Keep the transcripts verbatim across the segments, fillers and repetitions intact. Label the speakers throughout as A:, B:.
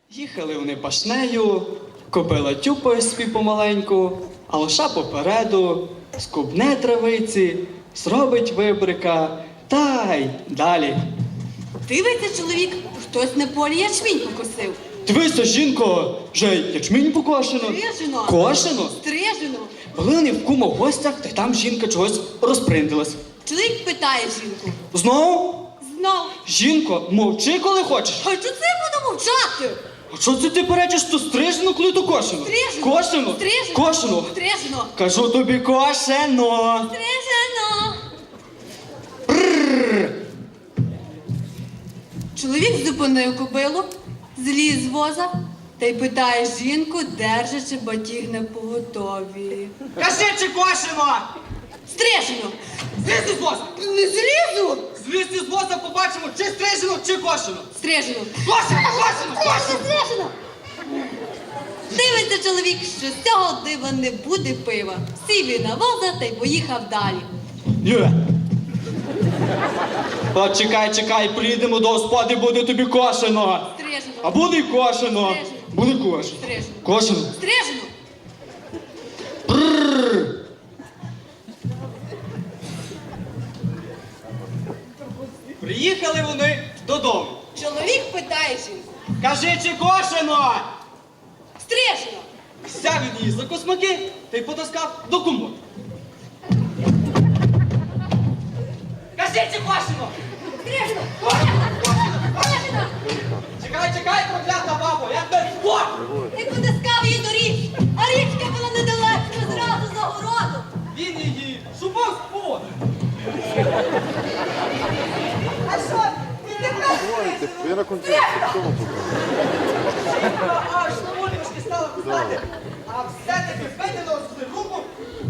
A: Їхали вони пашнею, кобила тюпає собі помаленьку, а лоша попереду, скубне травиці, зробить вибрика, та й далі.
B: Дивиться чоловік, хтось на полі ячмінь покосив.
A: Дивися, жінко, вже й ячмінь покошено.
B: Стрижено.
A: Кошено.
B: Стрижено.
A: Були вони в кума в гостях, та й там жінка чогось розприндилась.
B: Чоловік питає жінку.
A: Знову?
B: Знов.
A: Жінко, мовчи, коли хочеш.
B: А що це буду мовчати?
A: А що це ти перечиш, то стрижено, коли то кошено?
B: Стрижено.
A: Кошено?
B: Стрижено.
A: Кошено.
B: Стрижено.
A: Кажу тобі, кошено.
B: Стрижено. Чоловік зупинив кобилу, зліз з воза та й питає жінку, держачи батіг на поготові.
A: Кажи, чи кошено?
B: Стрижено.
A: Злізь із воза.
B: Не злізу.
A: Злізь із воза, побачимо, чи стрижено, чи кошено.
B: Стрижено.
A: Кошено, кошено, кошено.
B: Стрижено. Дивиться чоловік, що з цього дива не буде пива. Сів він на воза та й поїхав далі.
A: Юра. От чекай, чекай, приїдемо до господи, буде тобі кошено.
B: Стрижено.
A: А буде й кошено.
B: Стрижено.
A: Буде кошено.
B: Стрижено.
A: Кошено.
B: Стрижено.
A: Приїхали вони додому.
B: Чоловік питає жінку.
A: Кажи, чи кошено?
B: Стрижено.
A: Взяв від її за космаки та й потаскав до комоду. Кажи, чи кошено?
B: Стрижено.
A: Чекай, чекай, проклята бабо, як тебе спор!
B: Ти потискав її до річки, а річка була недалеко, зразу за городом.
A: Він її шубав з поводу.
B: А що? Ти тепер
C: Я на концерті, хто вам показав?
A: Аж на вулички стала писати, а все-таки виділо з руку.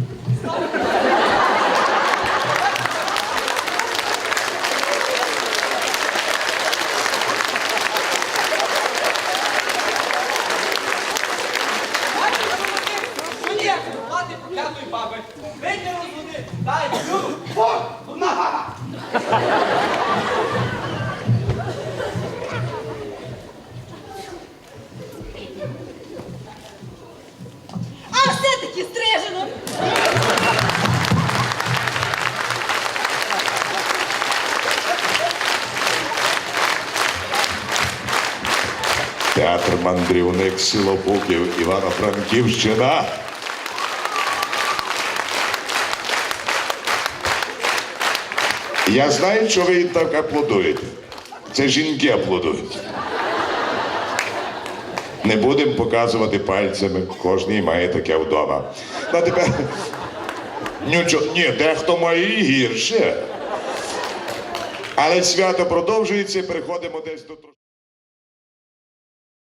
A: Плати проклятої баби. Виділо з води, дай люду. О, одна баба.
B: А все-таки стрижено.
C: Театр мандрівник село Буків, Івано-Франківщина. Я знаю, що ви так аплодуєте. Це жінки аплодують. Не будемо показувати пальцями, кожен має таке вдома. Ну, тепер... Нічого, ні, дехто має і гірше. Але свято продовжується, приходимо десь до...